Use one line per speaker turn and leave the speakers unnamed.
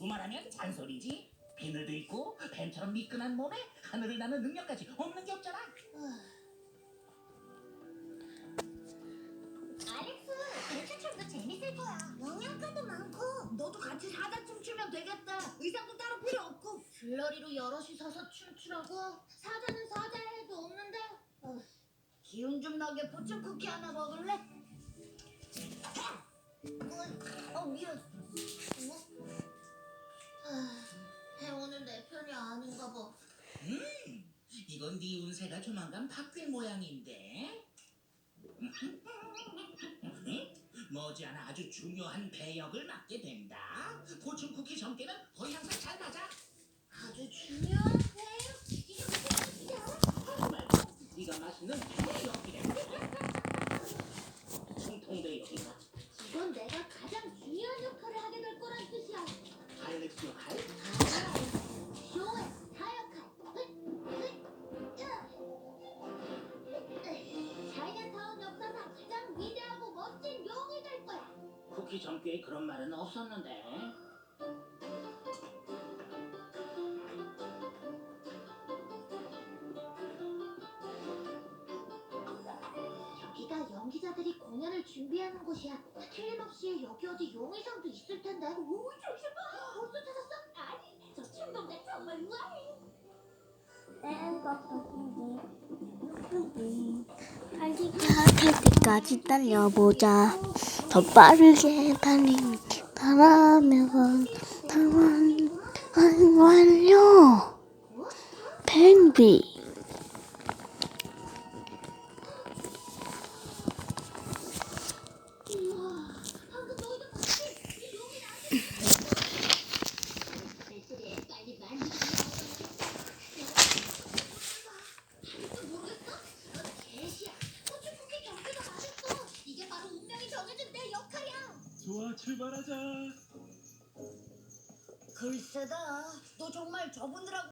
말하면 잔소리지. 비늘도 있고 뱀처럼 미끈한 몸에 하늘을 나는 능력까지 없는 게 없잖아.
알렉스, 대추춤도 재밌을 거야. 영양가도 많고 너도 같이 사자 춤추면 되겠다. 의상도 따로 필요 없고 줄러리로 여럿이 서서 춤추라고? 사자는 사자의 해도 없는데. 기운 좀 나게 포춘 쿠키 하나 먹을래? 미안. 해오는 내 편이 아닌가 봐.
이건 네 운세가 조만간 바뀔 모양인데. 머지않아 아주 중요한 배역을 맡게 된다. 포춘 쿠키 전개는 거의 항상 잘 맞아.
아주 중요한 배역? 이게 무슨 뜻이야?
하지 말고 네가 맛있는 배역이래. 총통배역이다.
이건 내가 가장 중요한 역할을 하게 될 거란 뜻이야.
알렉스 역할?
쇼의 스타 역할. 차이나타운 역사상 가장 위대하고 멋진 용이 될 거야.
쿠키 전개에 그런 말은 없었는데.
여기가 연기자들이 공연을 준비하는 곳이야. 틀림없이 여기 어디 용의상도 있을 텐데. 오, 조심 봐. 벌써 찾았어? 아니, 저 춘봉대 정말 우아해.
탈 때까지 달려보자. 더 빠르게 달라면 완료. 펭귄.
우와, 방금 너희도 봤지? 이 용이 나한테. 배터리에 빨리 만지지. 아직도 모르겠어? 넌 개시야. 포춘쿠키 경기가 맛있어. 이게 바로 운명이 정해준 내 역할이야.
좋아, 출발하자.
글쎄다. 너 정말 저분들하고